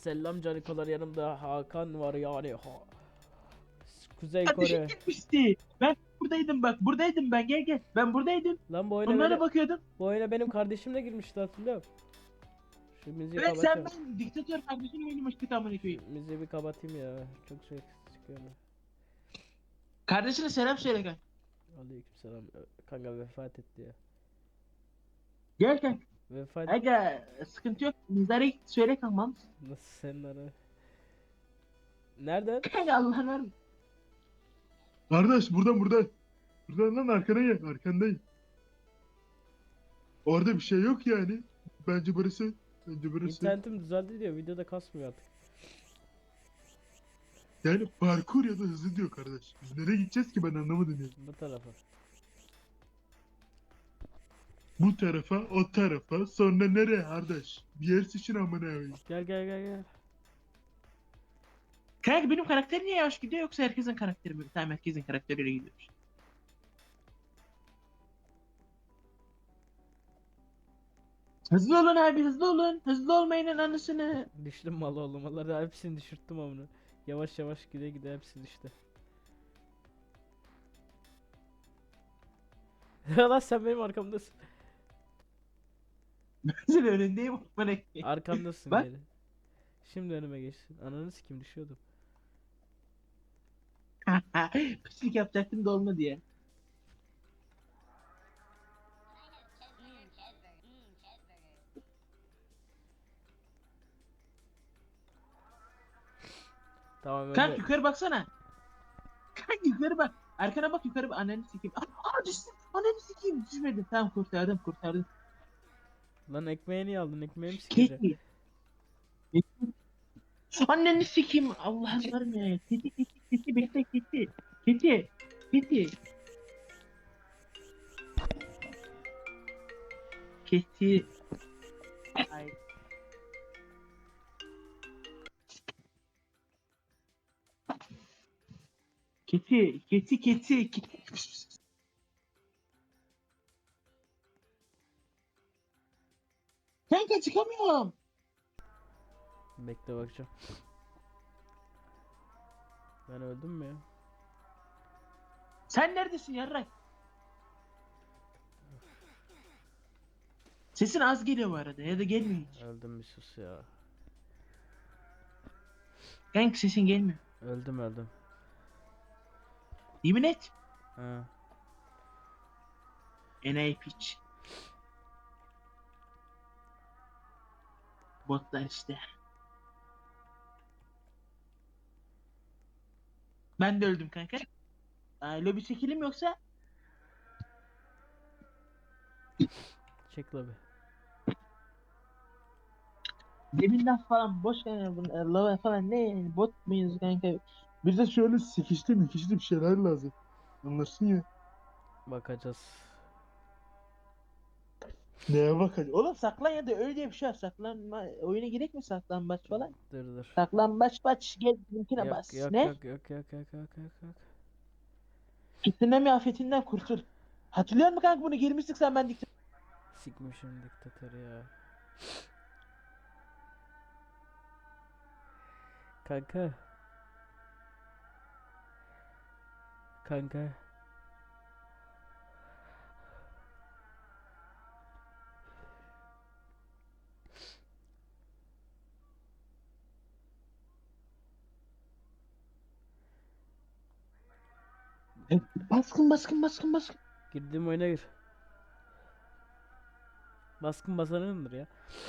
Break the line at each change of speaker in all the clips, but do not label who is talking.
Selam canikolar, yanımda Hakan var yani. Kuzey
Kardeşim
Kore.
gitmişti. Ben buradaydım bak. Buradaydım ben. Gel gel. Ben buradaydım.
Lan bu oyuna
Onlara
benim,
bakıyordum.
bu oyuna benim kardeşim de girmişti, hatırlıyorum. Şu müziği
Evet sen
kapatacağım.
ben diktatör kardeşini oynamıştık amına
Şu
koyayım.
müziği bir kapatayım ya. Çok şey çıkıyor.
Kardeşine selam söyle kanka.
Aleykümselam. Kanka vefat etti ya.
Gel gel.
Vefat
Aga sıkıntı yok. Mizara git söyle kankam.
nasıl senin ara? Nereden?
Kanka Allah'ın var mı?
Kardeş buradan. Buradan lan arkana gel. Arkandayım. Orada bir şey yok yani. Bence burası. Bence burası.
İnternetim düzeldi diyor. Videoda kasmıyor artık.
Yani parkur ya da hızlı diyor kardeş. Biz nereye gideceğiz ki ben anlamadım yani.
Bu tarafa.
Bu tarafa, o tarafa, sonra nereye kardeş? Bir yer seçin amına koyayım.
Gel.
Kanka benim karakter niye yavaş gidiyor yoksa herkesin karakteri mi? Tamam herkesin karakteriyle gidiyormuş. Hızlı olun abi hızlı olun. Hızlı olmayının anısını.
Düştüm mal oğlum. Vallahi hepsini düşürttüm onu. Yavaş yavaş gide hepsi düştü. Lan sen benim arkamdasın.
Sen önündeyim bana koyayım.
Arkamdasın
Bak.
geri. Şimdi önüme geçtin. Ananı sikim düşüyordum.
Pislik yapacaktım da olmadı ya.
Tamam
Kanka
öyle.
yukarı baksana. Kanka yukarı bak. Arkana bak yukarı bak. Ananı sikeyim. Aa düştüm. Ananı sikeyim. Düşmedi. Tamam kurtardım.
Lan ekmeği niye aldın? Ekmeğimi sikeceğim.
Keti. Anneni sikeyim. Allah'ım var mı ya? Keti bekle keti. Keti. Keti. Ay. Keti. Kanka çıkamıyorum.
Bekle bakacağım. Ben öldüm mü ya?
Sen neredesin yarrak? Sesin az geliyor bu arada ya da gelmiyor hiç.
Öldüm, bir sus ya.
Kanka sesin gelmiyor.
Öldüm.
Yemin et.
Ha.
Enayi piç. Botlar işte. Ben de öldüm kanka. Lobi çekelim yoksa?
Çek la bir.
Demin laf falan boş kanka. Lava falan ne yani? Bot muyuz kanka?
Bize şöyle sikişli bir şeyler lazım. Anlarsın ya.
Bakacağız.
Neye bak hadi.
Oğlum saklan ya da öyle diye bir şey var. Saklanma. Oyuna gerek mi saklambaç falan?
Dur.
Saklambaç baç gel linkine bas. Ne?
Yok.
Tsunami afetinden kurtul. Hatırlıyor musun kanka bunu girmiştik sen ben dikkat.
Sikmişim diktatörü ya. Kanka. Kanka.
Baskın.
Girdiğim oyuna gir. Baskın basanındır ya.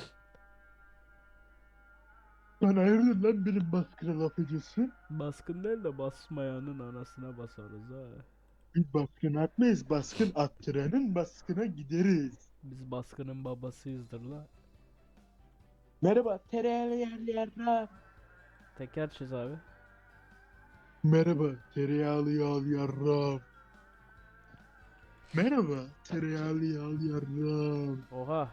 Lan hayırdır lan benim baskına laf ediyorsun?
Baskın değil de basmayanın anasına basarız ha.
Biz baskın atmayız. Baskın attıranın baskına gideriz.
Biz baskının babasıyızdır la.
Merhaba. Tereyağlı yerli yarra.
Teker çiz abi.
Merhaba tereyağlı yağlı yarram. Merhaba tereyağlı yağlı yarram.
Oha.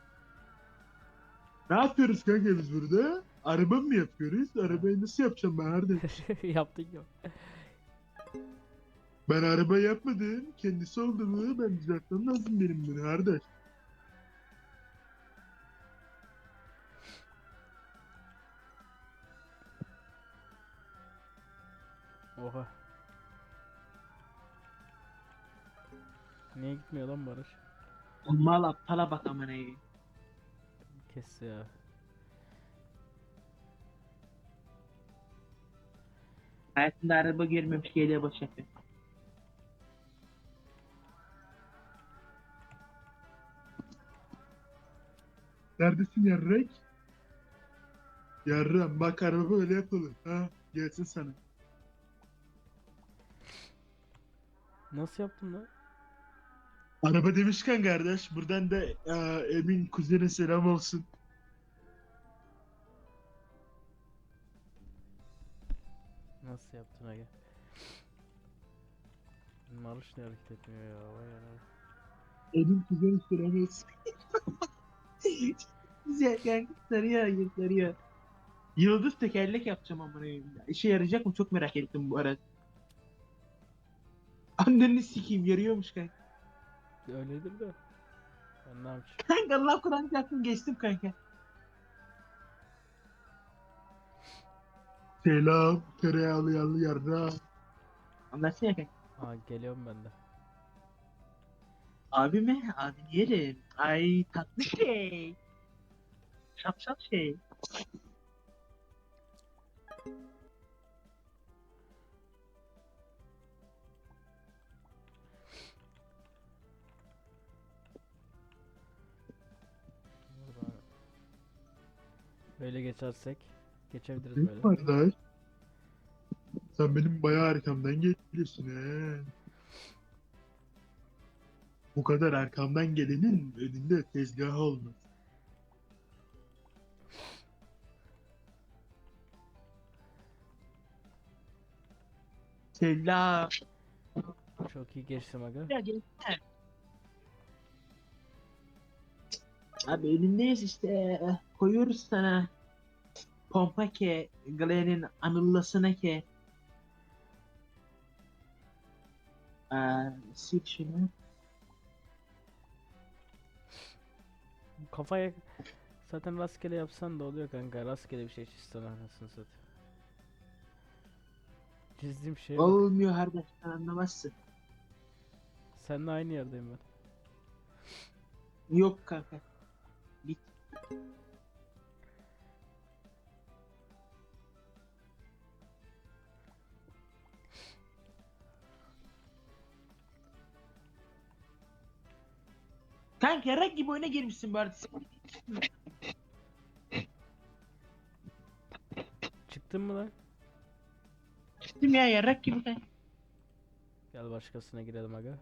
Ne yapıyoruz kanka biz burada? Araba mı yapıyoruz? Arabayı nasıl yapacağım ben kardeş?
Yaptık ya.
Ben araba yapmadım. Kendisi oldu mu? Ben düzeltmem lazım benim bunu kardeş.
Oha. Niye gitmiyor lan Barış?
Mal aptala bak amına koyayım.
Kes ya.
Hayatında araba görmemiş geliyor boş yapıyor.
Neredesin yarrek? Yarram bak araba öyle yapılır. Ha gelsin sana.
Nasıl yaptın lan?
Araba demişken kardeş buradan da Emin kuzene selam olsun.
Nasıl yaptın aga? Barış ne hareket etmiyor ya? Vay anam.
Emin kuzene selam olsun.
Güzel kanka sarıyor sarıyor. Yıldız tekerlek yapacağım amına koyayım. İşe yarayacak mı çok merak ettim bu arada. Anneni sikeyim yarıyormuş kanka.
Öyledir de. Ben ne yapacağım?
Kanka Allah Kur'an çarptım geçtim kanka.
Selam tereyağlı yağlı yarra.
Anlatsana kanka.
Aa geliyorum ben de.
Abi mi? Abi yerim. Ay tatlı şey. Şapşal şey.
Buradan böyle geçersek geçebiliriz
Değil
böyle.
mi kardeş? Sen benim bayağı arkamdan geliyorsun he. Bu kadar arkamdan gelenin önünde tezgah olmaz.
Selam.
Çok iyi geçtim aga.
Ya gelsene. Abi elindeyiz işte. Koyuyoruz sana. Pompa ke. Glenn'in anıllasına ke. Sil şunu.
Kafaya zaten rastgele yapsan da oluyor kanka. Rastgele bir şey çizsen anasını satayım. Çizdiğim şeye bak.
Olmuyor kardeş sen anlamazsın.
Seninle aynı yerdeyim ben.
Yok kanka. Bit. Kanka yarak gibi oyuna girmişsin bu arada.
Çıktın mı lan?
Çıktım ya yarak gibi kanka.
Gel başkasına girelim aga.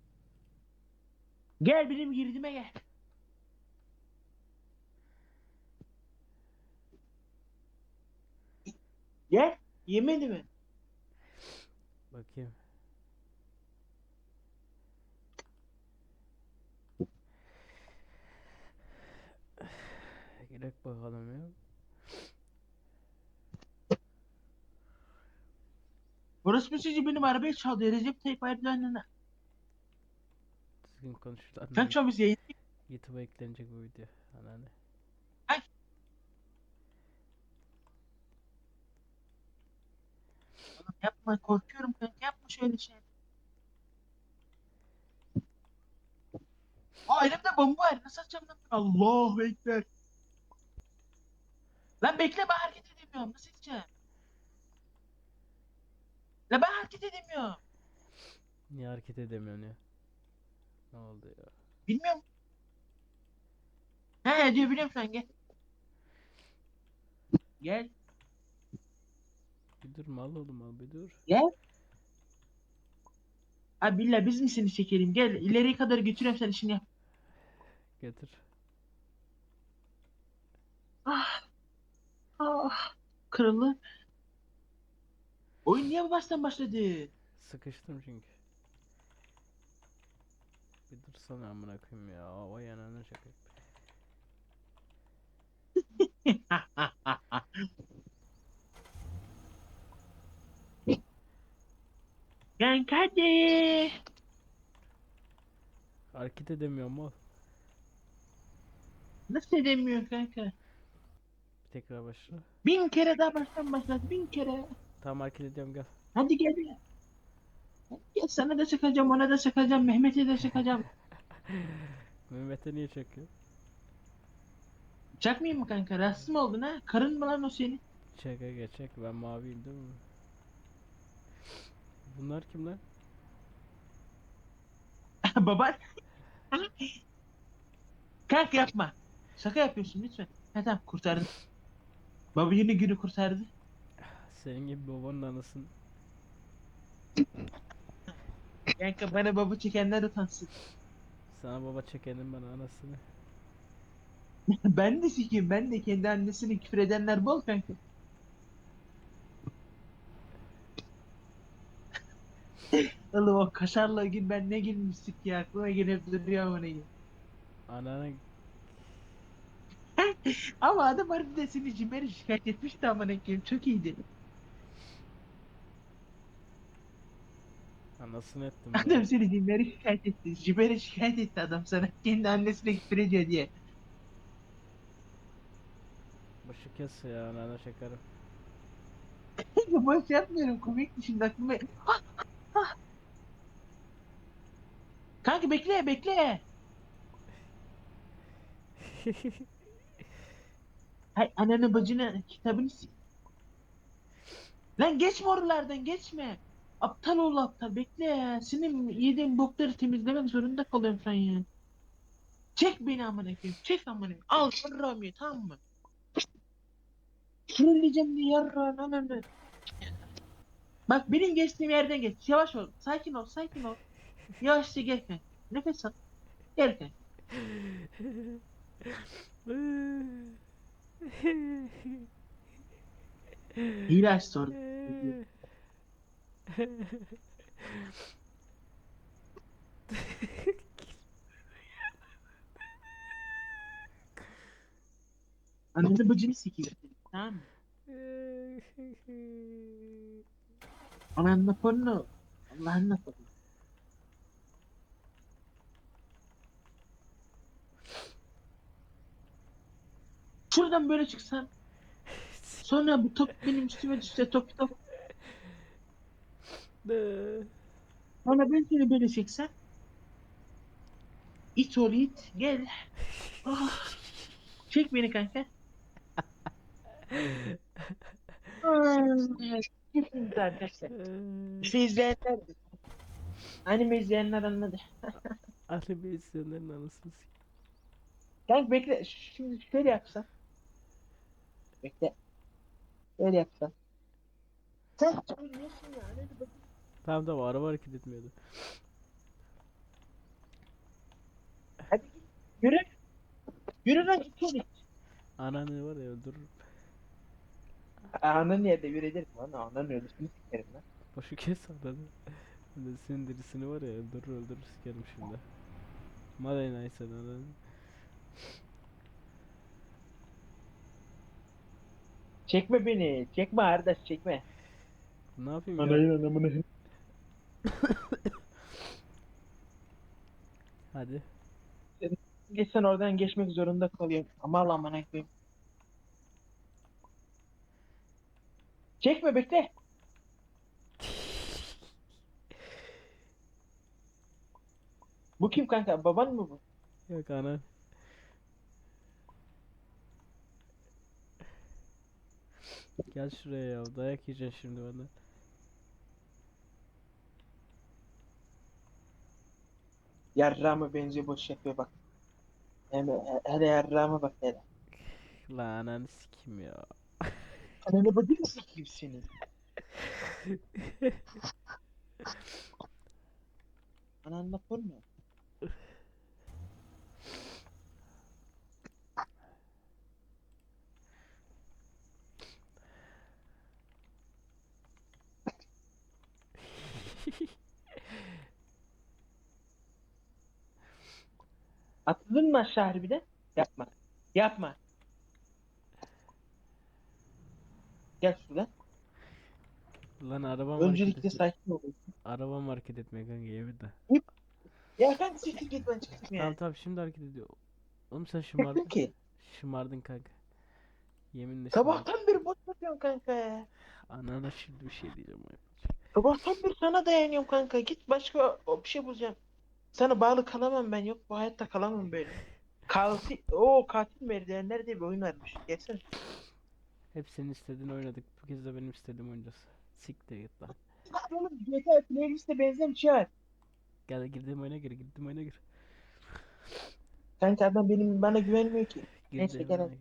Gel benim girdiğime gel. Gel. Yemedi mi?
Bakayım. Girek bakalım ya.
Orası bir çocuğu benim arabayı çaldı. Recep Tayyip Erdoğan'ın.
Düzgün konuş lan.
Sen çalmış yayın.
YouTube'a eklenecek bu video. Anneanne.
Yapma korkuyorum kanka. Yapma şöyle şey. Aa elimde bomba var. Nasıl atacağım lan? Allahu Ekber. Lan bekle ben hareket edemiyorum. Nasıl edeceğim? La ben hareket edemiyorum.
Niye hareket edemiyorsun ya? Ne oldu ya?
Bilmiyorum. He diyor biliyorum sen gel. Gel.
Bir dur mal oğlum al bir dur.
Gel. Abi billah biz mi seni çekelim? Gel ileriye kadar götürüyorum sen işini yap.
Getir.
Ah. Ah. Kırıldı. Oyun niye bu baştan başladı?
Sıkıştım çünkü. Bir dursana amına koyayım ya. Vay ananı şaka.
Kanka hadi.
Hareket edemiyorum al.
Nasıl edemiyor kanka?
Bir tekrar başla.
1000 kere daha baştan başlat. 1000 kere.
Tamam hareket ediyorum gel.
Hadi gel. Hadi gel, sana da çakacağım, ona da çakacağım, Mehmet'e de çakacağım.
Mehmet'e niye çakıyor?
Çakmayayım mı kanka? Rahatsız mı oldun ha? Karın mı lan o senin?
Çaka geçecek. Ben maviyim değil mi? Bunlar kim lan?
Baban. Kanka yapma. Şaka yapıyorsun lütfen. Ha tamam, kurtardım. Baba yine günü kurtardı.
Senin gibi babanın anasın.
Kanka bana baba çekenler utansın.
Sana baba çekenin bana anasını.
Ben de sikeyim, ben de kendi annesini küfür edenler bol kanka. Oğlum o kaşarla gün ben ne gülmüştük ya, aklıma gelip duruyor ama ne.
Ananı
Ama adam harbiden seni Cimer'e şikayet etmişti ama ne koyayım, çok iyiydi.
anasını ettim
Adam
be.
seni Cimer'e şikayet etti. Cimer'e şikayet etti adam sana. Kendi annesine küfür ediyor diye.
Başı kes ya anana çekerim.
Boş yapmıyorum, komikti şimdi aklıma. Kanka bekle bekle. Hay ananı bacını kitabını Lan geçme oralardan, geçme. Aptal ol aptal, bekle ya. Senin yediğin bokları temizlemek zorunda kalıyorum şu an ya. Çek beni amına koyayım. Çek amına koyayım. Al yarrağımı ye, tamam mı? Trolleyeceğim diye yarrağın ananı. Bak benim geçtiğim yerden geç. Yavaş ol. Sakin ol. Sakin ol. Yavaşça gel kanka. Nefes al. Gel kanka. Hile aç sonra. Ananı bacını sikeyim. Tamam mı? Ananla porno. Allah'ınla porno. Şuradan böyle çıksan. Sonra bu top benim üstüme düşse, top top. Sonra ben seni böyle çeksem. İt ol it. Gel. Ah, çek beni kanka. Kesinlikle arkadaşlar. Şey izleyenler. Anime izleyenler anladı.
Anime izleyenlerin anasını s**.
Kanka bekle. Şimdi şöyle yapsan. Bekle. Şöyle yapsan. Sen söylüyorsun ya. Hadi bak.
Tamam tamam araba hareket etmiyordu.
Hadi git. Yürü. Yürü lan, git ol it.
Ananı var ya öldürürüm.
Ananı yerde yürüyelim lan. Ananı ölüsünü sikerim lan.
Başı kes ananı. Ben de senin derisini var ya öldürür öldürür sikerim şimdi. Malay neyse ananı.
Çekme beni. Çekme arkadaş, çekme.
Ne yapayım ya?
Anayın anamını.
Hadi.
Geçsen oradan geçmek zorunda kalıyorum. Ama Allah'ım bana koyayım. Çekme, bekle. Bu kim kanka? Baban mı bu?
Yok anan. Gel şuraya ya dayak yiyeceksin şimdi benden.
Yarrağıma benziyor, boş yapıyor bak. Hele yarrağıma bak hele.
La ananı sikim ya.
Ananı bacını sikeyim senin. Ananla porno. Atladın mı aşağı harbiden? Yapma. Yapma. Gel şuradan.
Lan arabam hareket
Öncelikle
etmiyor.
sakin ol.
Arabam hareket etmiyor kanka yeminle.
Ya kanka siktir git, ben çıktım
Tamam
ya.
tamam şimdi hareket ediyor. Oğlum sen
Çıktım
şımardın.
ki.
Şımardın kanka. Yeminle şımardın.
Sabahtan beri boş yapıyorum kanka ya.
Anana şimdi bir şey diyeceğim.
Sabahtan beri sana dayanıyorum kanka. Git başka bir şey bulacağım. Sana bağlı kalamam ben. Yok bu hayatta kalamam böyle. Katil merdivenler diye bir oyun varmış. Gelsene.
Hep senin istediğin oynadık. Bu kez de benim istediğim oynayacağız. Siktir git lan.
Oğlum GTA playlist'e benzer bir şey var.
Gel girdiğim oyuna gir, girdiğim oyuna gir.
Kanka adam bana güvenmiyor ki. Neyse
Girdiğim
gel
oyuna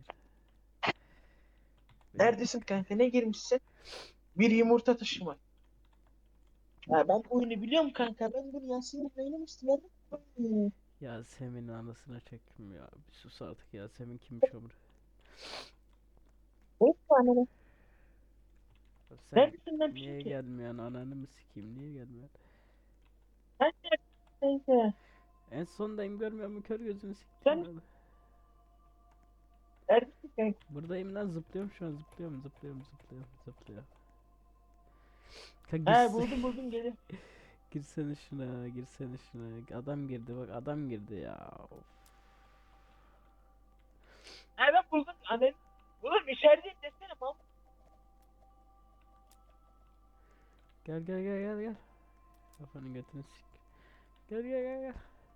hadi.
gir. Benim
Neredesin kanka? Ne girmişsin? Bir yumurta taşıma. Ya ben bu oyunu biliyorum kanka. Ben bunu Yasin'le oynamıştım. Hmm.
Yasemin'in anasına çektim ya. Bir sus artık, Yasemin kimmiş ömrü.
O tane.
Sen
Neredesin lan
niye
Pinky?
gelmiyorsun, ananı mı sikeyim, niye gelmiyorsun?
Ben neredesin kanka?
En sondayım, görmüyor musun, kör gözünü siktim
Sen
ya.
neredesin kanka?
Buradayım lan, zıplıyorum şu an, zıplıyorum. Kanka
He buldum geliyor.
girsene şuna. Adam girdi bak, adam girdi ya. Of.
He ben buldum. Annem. Oğlum içerideyim desene mal.
Gel. Kafanın götünü sik. Gel.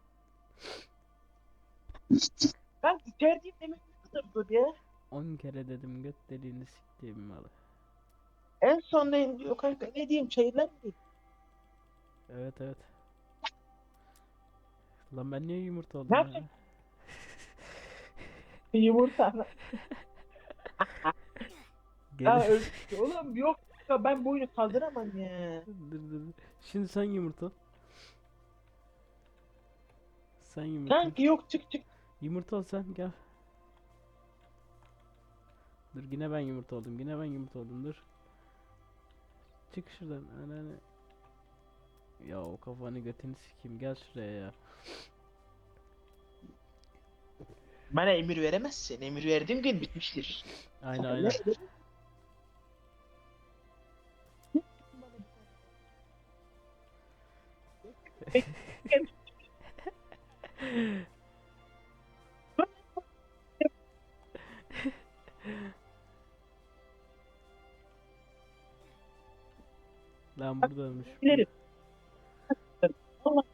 Ben içerideyim demek ne kadar zor ya.
10 kere dedim, göt deliğini siktiğim malı.
En sondayım diyor kanka. Ne diyeyim çayırlar mı diyeyim?
Evet. Lan ben niye yumurta
Ne
oldum ya?
yapacaksın? Yumurta.
Gel.
Ya öldük. Oğlum yok. Ya ben bu oyunu kaldıramam ya.
Dur. Şimdi sen yumurta ol. Sen yumurta ol.
Kanka yok çık.
Yumurta ol sen, gel. Dur, yine ben yumurta oldum, dur. Çık şuradan ananı. Ya o kafanı götünü sikeyim, gel şuraya ya.
Bana emir veremezsin. Emir verdiğim gün bitmiştir.
Aynen. Lan buradaymış bu.
Bilirim. Allah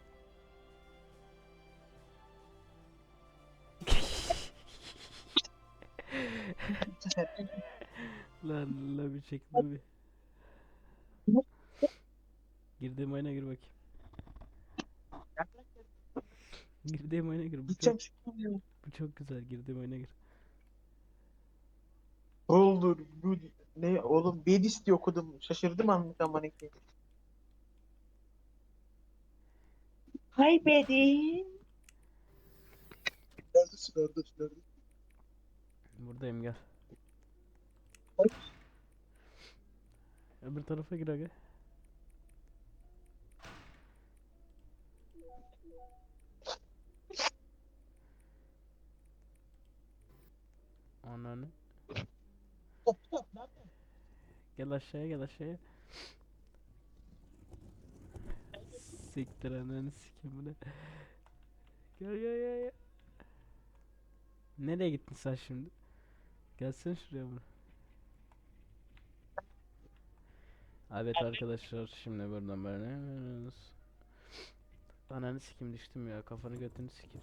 sefer.
Lan bir çekti bir. Girdiğim oyuna gir bakayım. Girdiğim oyuna gir.
Gideceğim şimdi.
Bu çok güzel. Girdiğim oyuna gir.
Olur. Bu ne oğlum Bedis diye okudum. Şaşırdım anlık ama ne ki. Kaybedin.
Neredesin?
Buradayım, gel. Öbür tarafa gir aga. Ananı. Gel aşağıya. Siktir ananı sikeyim, bu ne? Gel. Nereye gittin sen şimdi? Gelsene şuraya bunu. Evet arkadaşlar, şimdi buradan böyle. Ananı sikeyim, düştüm ya, kafanı götünü sikeyim.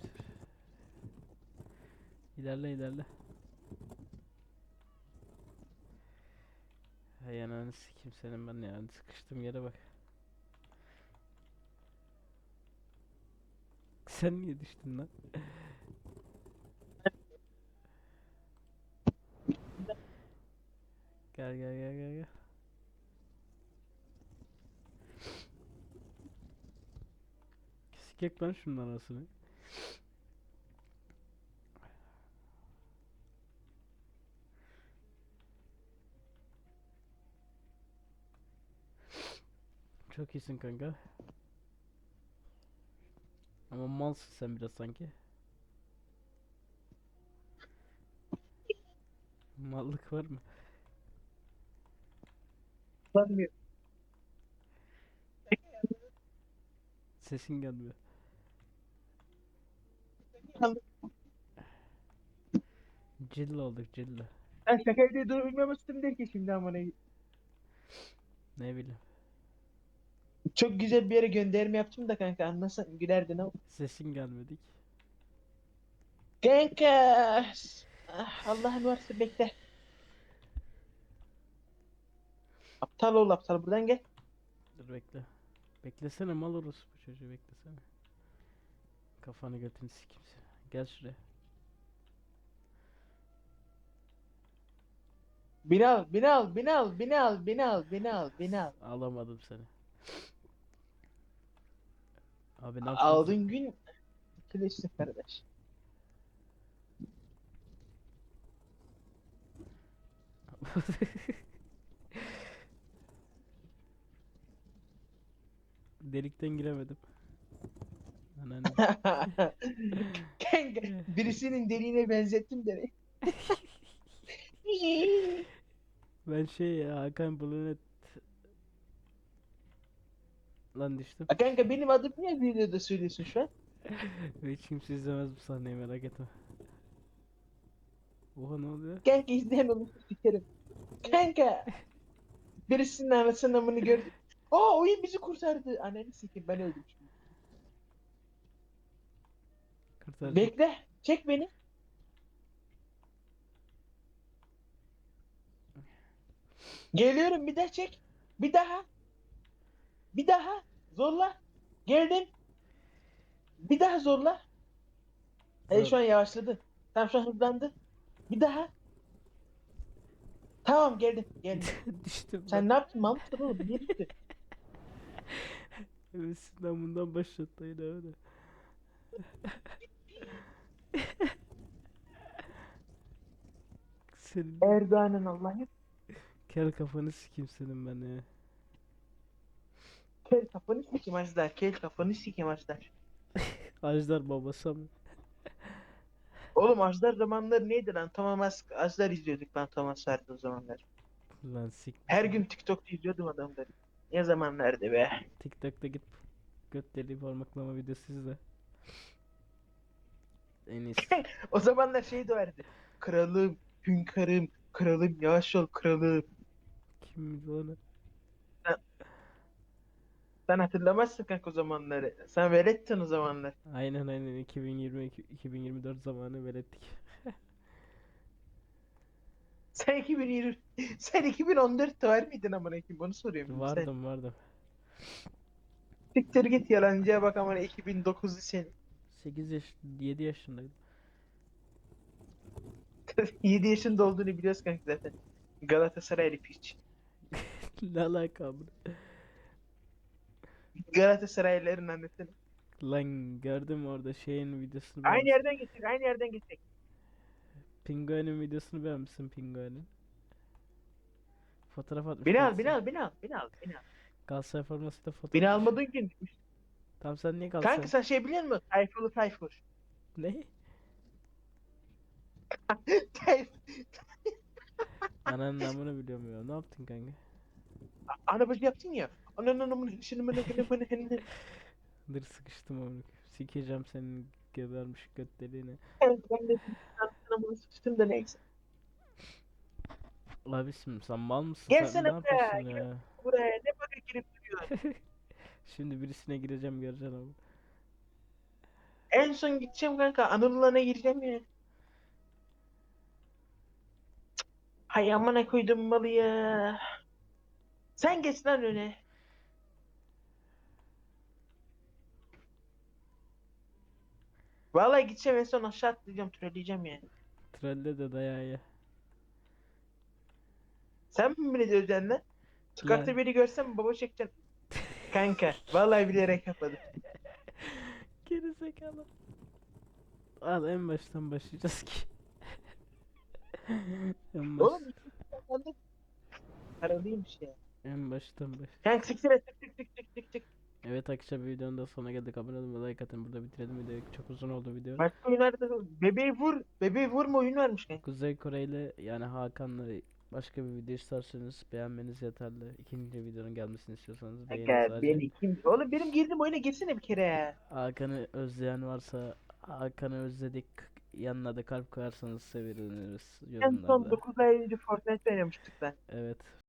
İlerle. Hay ananı sikeyim senin ben ya, sıkıştım yere bak. Sen niye düştün lan? Gel. Sikek lan şunun anasını. Çok iyisin kanka. Ama malsın sen biraz sanki. Mallık var mı?
Sanmıyorum.
Sesin gelmiyor. Cilla olduk, cilla.
Ben şaka diye duymamıştım der ki şimdi ama ne.
Ne bileyim.
Çok güzel bir yere gönderme yaptım da kanka, anlasan gülerdin ama.
Sesin gelmedik.
Kanka. Allah'ın varsa bekle. Aptal ol aptal, buradan gel.
Dur bekle. Beklesene mal orası bu çocuğu beklesene. Kafanı götünü sikeyim seni. Gel şuraya.
Beni al, beni al, beni al, beni al, beni al, beni al, beni al.
Alamadım seni. Abi ne yapıyorsun?
Aldığın gün kilişsin kardeş.
Delikten giremedim. Ananı.
Kanka birisinin deliğine benzettim beni.
Ben şey ya Hakan Bulunet lan düştüm.
Kanka benim adım niye videoda söylüyorsun şu an?
Hiç kimse izlemez bu sahneyi merak etme. Oha ne oluyor?
Kanka izleyen onu sikerim. Kanka birisinin anasının amını gördüm. Aa, oyun bizi kurtardı. Ananı sikeyim, ben öldüm şimdi.
Kurtaracak.
Bekle. Çek beni. Geliyorum, bir daha çek. Bir daha. Bir daha. Zorla. Geldim. Bir daha zorla.
Zor.
Şu an yavaşladı. Tamam, şu an hızlandı. Bir daha. Tamam, geldim. Geldim.
Düştüm ben.
Sen ne yaptın Mahmut oğlum? Niye düştün?
Evet sizden bundan başlattı yine öyle. Senin
Erdoğan'ın Allah'ı.
kel kafanı sikeyim senin ben ya.
Kel kafanı sikeyim Ajdar. Kel kafanı sikeyim Ajdar.
Ajdar babası mı?
Oğlum Ajdar zamanları neydi lan? Thomas Ajdar izliyorduk lan, Thomas vardı o zamanlar.
Lan sik.
Her gün TikTok'ta izliyordum adamları. Ne zamanlardı be?
TikTok'ta git göt deliği parmaklama videosu izle. En iyisi.
O zamanlar şey de vardı. Kralım, hünkârım, kralım, yavaş ol kralım.
Kim bilir onu?
Sen, sen hatırlamazsın kanka o zamanları. Sen velettin o zamanlar.
Aynen 2024 zamanı velettik.
Sen 2020, sen 2014'te var mıydın amına koyayım? Bunu soruyorum sen.
Vardım.
Siktir git, yalancıya bak amına, 2009'lu sen.
8 yaş 7 yaşındaydım.
7 yaşında olduğunu biliyoruz kanka zaten. Galatasaraylı piç.
Ne alaka bu?
Galatasaraylıların annesini.
Lan gördüm orada şeyin videosunu
Aynı
beğenmişsin.
yerden geçecek, aynı yerden geçecek.
Pinguin'in videosunu beğenmişsin Pinguin'in. Fotoğraf atmış
Beni al, beni
Galatasaray.
al, beni al, beni al, beni al.
Galatasaray formasıyla foto
Beni
atmış.
almadığın gün.
Tamam sen niye
Kanka
Galatasaray?
sen şey biliyor musun? Tayfurlu Tayfur.
Ne?
Tayfur.
Ananın namını biliyorum ya. Ne yaptın kanka?
Ana bacı yaptın ya. Ananın amını şunu bana.
Dır sıkıştım onu. Sikeceğim senin gebermiş göt deliğine.
Ben de anamını sıçtım da neyse.
Abisim sen mal mısın? Sen
Gelsene
ne
buraya.
yapıyorsun ya?
Buraya ne baka girip duruyor.
Şimdi birisine gireceğim göreceksin abi.
En son gideceğim kanka. Anıl'la gireceğim ya. Hay amına koydum malı ya. Sen geç lan öne. Vallahi gideceğim, en son aşağı atlayacağım, trolleyeceğim yani.
Trolle de dayağı ye.
Sen mi beni döveceksin lan? Sokakta
Lan.
biri görsem baba çekeceksin. Kanka vallahi bilerek yapmadım.
Geri zekalı. Al en baştan başlayacağız ki. En baş.
Oğlum ben de paralıymış ya.
En baştan baş.
Kanka siktir et, tık.
Evet arkadaşlar videonun da sonuna geldik. Abone olun ve like atın. Burada bitirelim videoyu. Çok uzun oldu video.
Başka oyunlarda da bebeği vur. Bebeği vurma oyun varmış kanka.
Kuzey Kore ile yani Hakan'la başka bir video isterseniz beğenmeniz yeterli. İkinci videonun gelmesini istiyorsanız beğenin
Kanka
sadece.
beni kim? Oğlum benim girdiğim oyuna girsene bir kere ya.
Hakan'ı özleyen varsa Hakan'ı özledik. Yanına da kalp koyarsanız seviniriz
En son
yorumlarda.
9 ay önce Fortnite oynamıştık lan.
Evet.